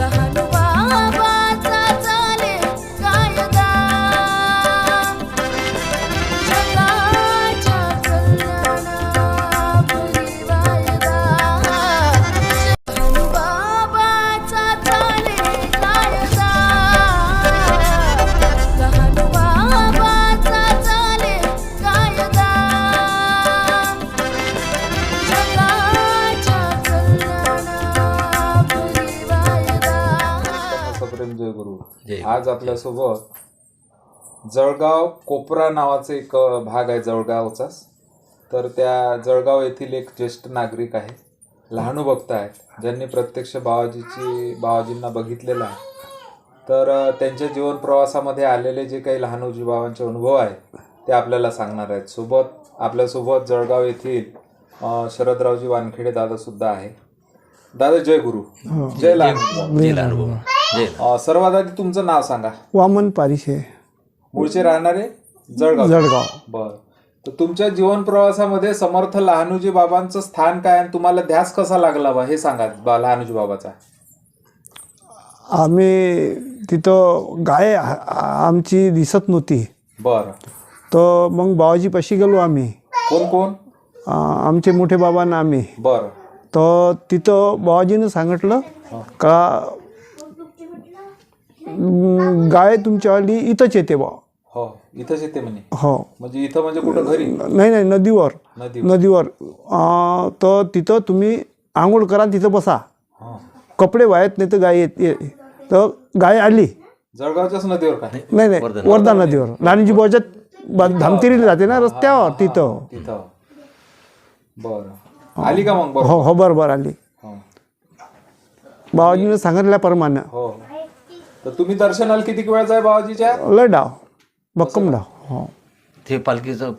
आज आपल्यासोबत जळगाव कोपरा नावाचा एक भाग आहे जळगावचाच. तर त्या जळगाव येथील एक ज्येष्ठ नागरिक आहे, लहानू भक्त आहेत, ज्यांनी प्रत्यक्ष बाबाजींना बघितलेलं आहे. तर त्यांच्या जीवन प्रवासामध्ये आलेले जे काही लहानूजी बाबांचे अनुभव आहेत ते आपल्याला सांगणार आहेत. आपल्यासोबत जळगाव येथील शरदरावजी वानखेडे दादा सुद्धा आहे. दादा जय गुरु. जय लहानू. सर्वात आधी तुमचं नाव सांगा. वामन पारिशे. मूळचे राहणारे जळगाव. बर. तर तुमच्या जीवन प्रवासामध्ये समर्थ लहानूजी बाबांचं स्थान काय आणि तुम्हाला ध्यास कसा लागला बा हे सांगा लहानूजी बाबाचा. आम्ही तिथं गाय आमची दिसत नव्हती. बर. तर मग बाबाजीपाशी गेलो आम्ही. कोण कोण? आमचे मोठे बाबा ना आम्ही. बर. तर तिथं बाबाजीनं सांगितलं का गाय तुमच्यावाली इथंच येते बा. हो इथंच येते म्हणे. हो म्हणजे इथं म्हणजे कुठं घरी? नाही नदीवर. तर तिथं तुम्ही आंघोळ करा, तिथं बसा, कपडे वाहत नाही तर गाय येते. तर गाय आली. जळगावच्याच नदीवर का? नाही वर्धा नदीवर. लहानजी बाबाच्या धामतिरीला जाते ना रस्त्यावर तिथं. बरं. आली का मग? हो बरोबर आली. बाबाजीने सांगितल्याप्रमाणे. हो. तर तुम्ही दर्शनाला किती वेळ जाय बाबाजीच्या? लय डाव भक्कम डाव. हो ते पालखीचं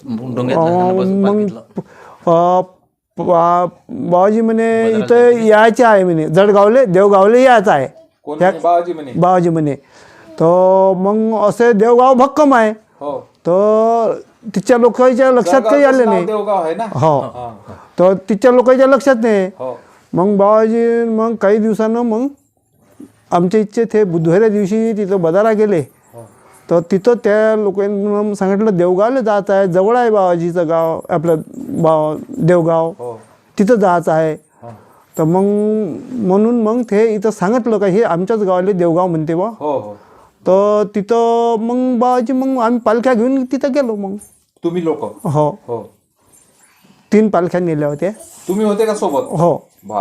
मग बाबाजी म्हणे इथं यायचे आहे म्हणे, जळगावले देवगावले यायचं आहे बाबाजी म्हणे. तर मग असे देवगाव भक्कम आहे. तर तिच्या लोकांच्या लक्षात काही आले नाही. हो. तर तिच्या लोकांच्या लक्षात नाही. मग बाबाजी मग काही दिवसानं मग आमच्या इच्छे ते बुधवाऱ्या दिवशी तिथं बदारा गेले. तर तिथं त्या लोकांनी सांगितलं देवगावला जायचं आहे, जवळ आहे बाबाजीचं गाव, आपलं देवगाव, तिथं जायचं आहे. तर मग म्हणून मग ते इथं सांगितलं का हे आमच्याच गावाला देवगाव म्हणते बा. तर तिथं मग बाबाजी मग आम्ही पालख्या घेऊन तिथं गेलो. मग तुम्ही लोक? हो. 3 पालख्या नेल्या होत्या. तुम्ही होते का सोबत? हो.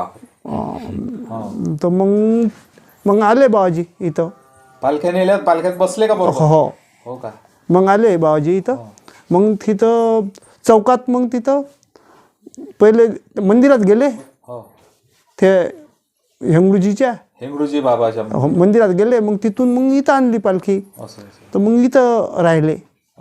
तर मग आले बाबाजी इथं. पालख्या नेल्यात? पालख्यात बसले का? हो का? मग आले बाबाजी इथं. मग तिथं चौकात मग तिथं पहिले मंदिरात गेले. ते हेंगळूजी बाबाच्या मंदिरात गेले. मग तिथून मग इथं आणली पालखी. तर मग इथं राहिले.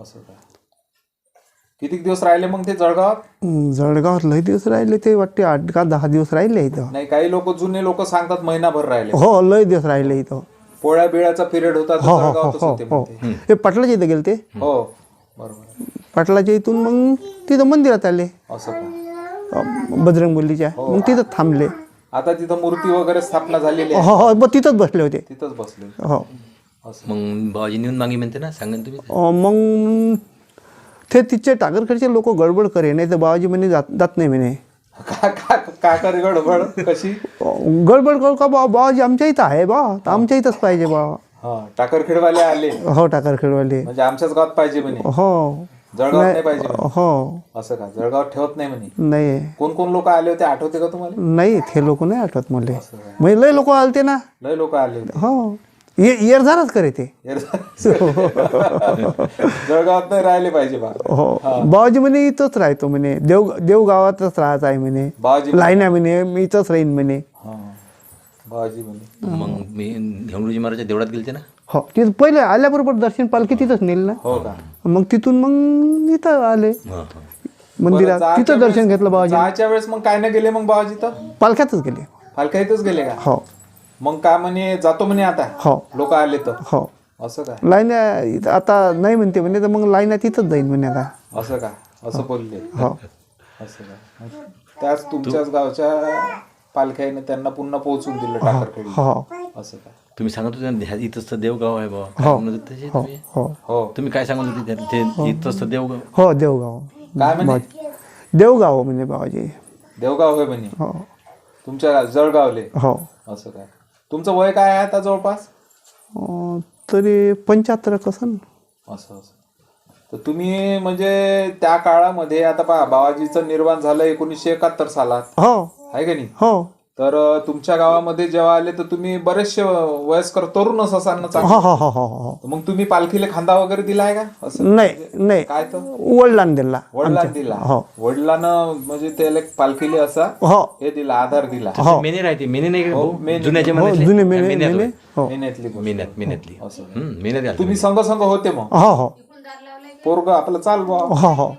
किती दिवस राहिले मग ते जळगावात लय दिवस राहिले. ते वाटते 8 का 10 दिवस राहिले इथं. नाही, काही लोक जुने लोक सांगतात महिनाभर राहिले. हो लय दिवस राहिले इथं. पोळ्या बिळाचा पिरियड होता. हो. ते पाटलाच्या इथं गेले ते. हो बरोबर. पाटलाच्या इथून मग तिथं मंदिरात आले. असं का? बजरंगबलीच्या. मग तिथं थांबले. आता तिथं मूर्ती वगैरे स्थापना झालेली आहे. हो मग तिथंच बसले होते. तिथंच बसले. हो. मग बाबाजी नेऊन मागे म्हणते ना, सांगेन तुम्ही. मग ते तिचे टाकरखेडचे लोक गडबड करे, नाही तर बाबाजी म्हणे जात नाही म्हणे. का करे गडबड? कशी गडबड करू का? बाबाजी आमच्या इथं आहे बा, तर आमच्या इथंच पाहिजे बा. टाकरखेडवाले आले? हो टाकरखेडवाले. म्हणजे आमच्याच गावात पाहिजे म्हणे. हो. जळगावात नाही पाहिजे? हो. असं का? जळगावात ठेवत नाही म्हणे? नाही. कोण लोक आले होते आठवते का तुम्हाला? नाही ते लोक नाही आठवत मला. म्हणजे लय लोक आलते ना. लय लोक आले होते. हो. येरझारच करे ते. जळगावात नाही राहिले पाहिजे बा. हो. बाबाजी म्हणे इथंच राहतो म्हणे, देवगावातच राहायचं आहे म्हणे. लाईन आहे म्हणे, मी इथंच राहीन म्हणे. बाबाजी म्हणे. मग मी हेंगळूजी महाराजच्या देवळात गेलते ना. हो. तिथं पहिले आल्याबरोबर दर्शन पालखी तिथंच नेल ना. हो का? मग तिथून मग इथं आले मंदिरात. तिथं दर्शन घेतलं बाबाजी. जायच्या वेळेस मग काय नाही गेले मग बाबाजी? तर पालख्यातच गेले. पालख्यातच गेले का? हो. मग काय म्हणे जातो म्हणे आता? हो. लोक आले तर? हो. असं का? लाईन आता नाही म्हणते म्हणे, तर मग लाईन तिथंच जाईन म्हणे आता. असं का? असं बोलले? हो. असं का? त्याच तुमच्याच गावच्या पालख्याने त्यांना पुन्हा पोहोचून दिलं टाकरखेडी. हो. असं काय? तुम्ही सांगत होते ना, इथंच तर देवगाव आहे बाबा, हो. म्हणत होते तसे तुम्ही. हो हो तुम्ही काय सांगत होते ते इथंच तर देवगाव. हो देवगाव काय म्हणे? देवगाव म्हणजे बाबाजी. देवगाव होय म्हणे हो तुमच्या जळगावले. हो असं काय? तुमचं वय काय आहे आता जवळपास? तरी 75 कसं ना. असं असं. तर तुम्ही म्हणजे त्या काळामध्ये आता पहा, बाबाजीचं निर्माण झालं 1971 सालात, हो आहे का नाही? हो तर तुमच्या गावामध्ये जेव्हा आले तर तुम्ही बरेचसे वयस्कर तरुणच असाल ना चांगले. हो हो हो हो हो मग तुम्ही पालखीला खांदा वगैरे दिलाय का? असं नाही नाही काय तर वडिलांनी दिला. वडिलांना दिला. हो वडिलांना म्हणजे त्याला पालखीला असा हो हे दिला, आधार दिला. हो मेने राहते, मेने नाही का भाऊ? मेने. जुन्या जमान्यातले? जुने मेने मेन्यात मेने होय. हो मेहनतली गोष्ट. मेन्यातली. असं. मेन्यात आलते. तुम्ही संघ संघ होते मग? हो हो पोरग आपलं चाल बा. हो हो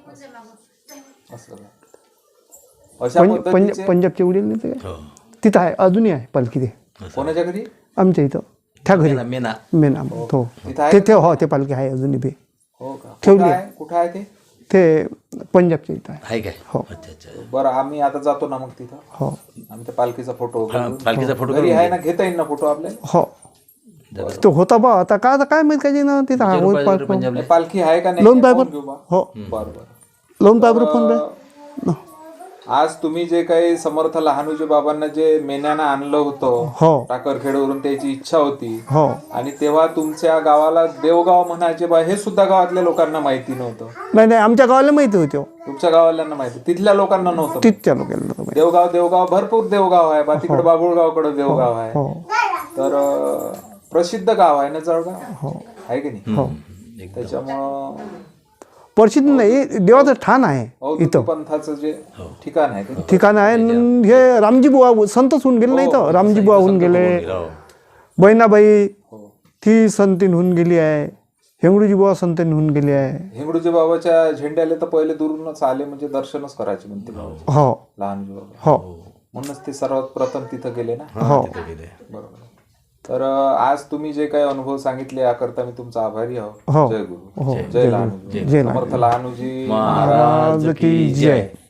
असं काय? अशा पद्धतीचे पंजाबचे वडील नाही ते हो. तिथं आहे, अजूनही आहे पालखी ते कोणाच्या घरी? आमच्या इथं त्या घरी मेना मेना तो तिथं आहे? ते हो ते पालखी आहे अजूनही बी हो का? ठेवली कुठं आहे. आहे? कुठं आहे ते? ते पंजाबच्या इथं आहे. आहे काय? हो. अच्छा अच्छा. बरं आम्ही आता जातो ना मग तिथं. हो आम्ही त्या पालखीचा फोटो हा, पालखीचा फोटो घरी आहे ना, घेता येईल ना फोटो आपल्याला? हो तो होता बा आता काय माहित काय ना तिथं हा होत पालखी पंजाबला पालखी आहे का नाही? लोन पाहून पायबर घेऊ बा. हो बरं बरं. लोन पायबर फोन पे आज तुम्ही जे काही समर्थ लहानूजी बाबांना जे मेन्यानं आणलं होतं हो टाकरखेडवरून, त्याची इच्छा होती, हो आणि तेव्हा तुमच्या गावाला देवगाव म्हणायचे बा, हे सुद्धा गावातल्या लोकांना माहिती नव्हतं. नाही आमच्या गावाला माहिती होती हो. तुमच्या गावाल्यांना माहिती, तिथल्या लोकांना नव्हतं. तिथच्या लोकांना देवगाव भरपूर देवगाव आहे बा, तिकडे बाबुळगावकडे देवगाव आहे. हो तर प्रसिद्ध गाव आहे ना जळगाव, हो आहे की नाही? हो त्याच्यामुळं प्रसिद्ध नाही, देवाचं ठाण आहे अवधूत पंथाचं जे ठिकाण आहे ते ठिकाण आहे. न हे रामजी बुवा संतच होऊन गेले नाही तर रामजी बुवा होऊन गेले, बहिणाबाई ती संतीन होऊन गेली आहे, हेंगडूजी बुवा संतीन होऊन गेली आहे. हिंगडूजी बाबाच्या झेंड्याला तर पहिले दुरूनच आले, म्हणजे दर्शनच करायचे म्हणते बाबा. हो लहानजी बाबा हो म्हणूनच ते सर्वात प्रथम तिथं गेले ना. हो बरोबर. तर आज तुम्ही जे काही अनुभव सांगितले याकरता मी तुमचा आभारी आहोत. हो. जय गुरु, जय लहानूजी, जय समर्थ लहानूजी महाराज की जय.